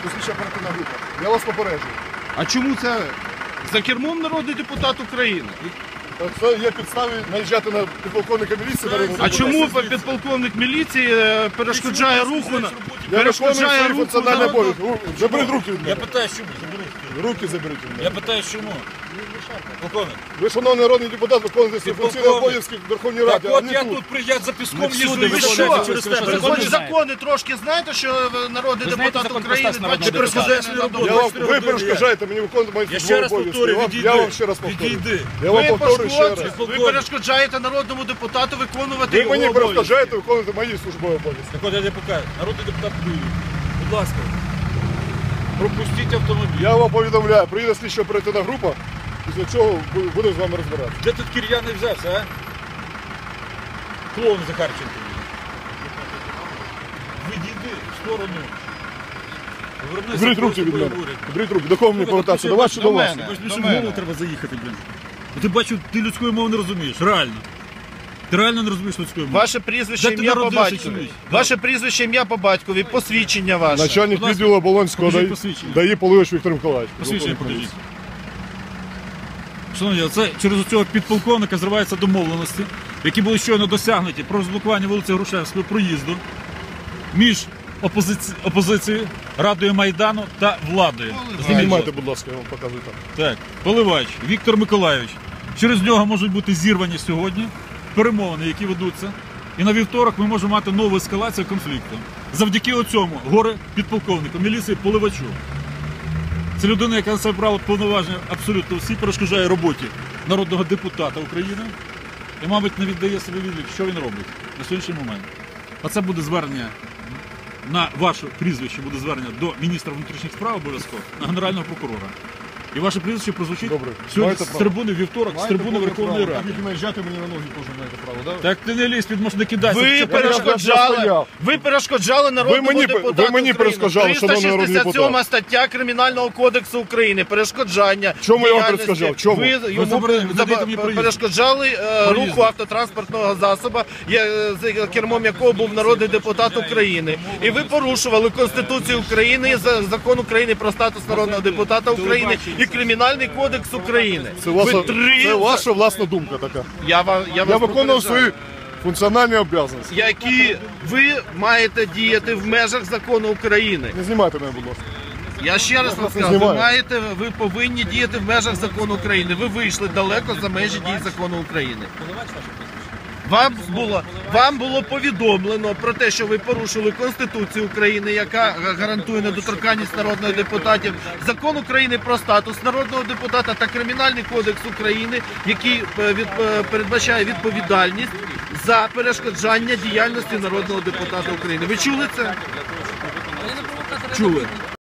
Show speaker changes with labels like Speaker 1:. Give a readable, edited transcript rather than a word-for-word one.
Speaker 1: Слідча оперативна група. Я вас попереджую.
Speaker 2: А чому це за кермом народний депутат України?
Speaker 1: Це є підстави наїжджати на підполковника міліції.
Speaker 2: А чому підполковник міліції перешкоджає руху на
Speaker 1: Я виконую свої функціональні обов'язки. Заберіть руки від
Speaker 3: Я
Speaker 1: мене.
Speaker 3: питаю, чому? Заберіть.
Speaker 1: Руки заберіть від мене.
Speaker 3: Я питаю, чому? Полковник.
Speaker 1: Ви, шановний народний депутат, виконуєте свої функційні обов'язки в Верховній
Speaker 3: Так
Speaker 1: Раді, а
Speaker 3: от
Speaker 1: не
Speaker 3: я
Speaker 1: тут.
Speaker 3: тут приїжджав за піском
Speaker 4: всюди
Speaker 3: їжджу і
Speaker 4: ви
Speaker 3: виходжу
Speaker 4: що?
Speaker 3: через тебе.
Speaker 4: Ви
Speaker 2: Хоч
Speaker 4: знаєте?
Speaker 2: закони трошки знаєте, що народний
Speaker 4: Ви знаєте
Speaker 2: депутат
Speaker 4: закон про
Speaker 2: України
Speaker 4: статус народного
Speaker 2: 24
Speaker 3: депутата?
Speaker 2: години на добу.
Speaker 1: Я вам, ви перешкоджаєте мені виконувати мої
Speaker 3: Я ще
Speaker 1: службові
Speaker 3: раз
Speaker 1: обов'язки.
Speaker 3: повторюю, відійди.
Speaker 1: Я вам ще раз повторюю.
Speaker 3: Відійди.
Speaker 1: Я вам
Speaker 2: Ви
Speaker 1: повторюю ще раз.
Speaker 2: ви перешкоджаєте народному депутату виконувати
Speaker 1: Ви
Speaker 2: його
Speaker 1: мені
Speaker 2: обов'язки.
Speaker 1: перешкоджаєте виконувати мої службові обов'язки.
Speaker 3: Так от я не покажу. Народний депутат Київ. Будь ласка. Пропустіть автомобіль.
Speaker 1: Я вам повідомляю, приїде слідча оперативна група, після чого будемо з вами розбиратися.
Speaker 3: Де тут кир'яний взявся, а? Клоун Захарченко. Відійди в сторону. Повернися,
Speaker 1: Беріть руки
Speaker 3: просто
Speaker 1: від мене.
Speaker 3: поговорить.
Speaker 1: Беріть руки. До кого мені повертатися? До вас чи до вас?
Speaker 2: мене.
Speaker 3: Бачиш,
Speaker 2: До
Speaker 3: в
Speaker 2: мене.
Speaker 3: голову треба заїхати, блін. Ти бачу, ти людської мови не розумієш, реально. Ти реально не розумієш людської мови.
Speaker 2: Ваше прізвище,
Speaker 3: Де ти
Speaker 2: ім'я по
Speaker 3: народився,
Speaker 2: батькові.
Speaker 3: чоловік?
Speaker 2: Ваше прізвище, ім'я по батькові, посвідчення ваше.
Speaker 1: Начальник
Speaker 3: Будь ласка,
Speaker 1: відділу Оболонського
Speaker 3: покажіть
Speaker 1: ДАІ,
Speaker 3: посвідчення.
Speaker 1: ДАІ Полович Віктор Миколаївич.
Speaker 3: Посвідчення покажіть. Шановні, це через цього підполковника зриваються домовленості, які були щойно досягнуті про розблокування вулиці Грушевського проїзду між опозицією, Радою Майдану та владою.
Speaker 1: Знімайте, будь ласка, я вам показую там.
Speaker 3: Так, Поливач Віктор Миколайович. Через нього можуть бути зірвані сьогодні перемовини, які ведуться. І на вівторок ми можемо мати нову ескалацію конфлікту. Завдяки оцьому горе підполковнику міліції Поливачу. Це людина, яка на себе брала повноваження абсолютно всі, перешкоджає роботі народного депутата України і, мабуть, не віддає собі відлік, що він робить на сьогоднішній момент. А це буде звернення на ваше прізвище, буде звернення до міністра внутрішніх справ обов'язково, на генерального прокурора. І ваше прізвище прозвучить
Speaker 1: Добре.
Speaker 3: сьогодні
Speaker 1: Маєте
Speaker 3: з
Speaker 1: право.
Speaker 3: трибуни вівторок, з трибуни Верховної
Speaker 1: Так
Speaker 3: Ради.
Speaker 1: як і наїжджати мені на ноги теж маєте право, так?
Speaker 3: Так ти не лізь, під можна кидайся.
Speaker 2: Ви
Speaker 3: Це
Speaker 2: перешкоджали народному
Speaker 1: Ви мені
Speaker 2: депутату
Speaker 1: перешкоджали,
Speaker 2: України.
Speaker 1: шановний народний
Speaker 2: 367
Speaker 1: депутат.
Speaker 2: стаття Кримінального кодексу України. Перешкоджання.
Speaker 1: Чому я вам
Speaker 2: діяльності.
Speaker 1: перешкоджав? Чому?
Speaker 2: Ви йому
Speaker 3: заборонили, не даєте мені проїзду.
Speaker 2: перешкоджали руху автотранспортного засобу, з кермом якого був народний депутат України. І ви порушували Конституцію України, Закон України про статус народного депутата України і Кримінальний кодекс України.
Speaker 1: Це ваша власна думка така.
Speaker 2: Я вас
Speaker 1: Я виконував
Speaker 2: попереджаю.
Speaker 1: свої функціональні обов'язки.
Speaker 2: Які ви маєте діяти в межах закону України.
Speaker 1: Не знімайте мене, будь ласка.
Speaker 2: Я ще раз вам скажу, ви повинні діяти в межах закону України. Ви вийшли далеко за межі дій закону України. Вам було повідомлено про те, що ви порушили Конституцію України, яка гарантує недоторканність народних депутатів, Закон України про статус народного депутата та Кримінальний кодекс України, який передбачає відповідальність за перешкоджання діяльності народного депутата України. Ви чули це? Чули.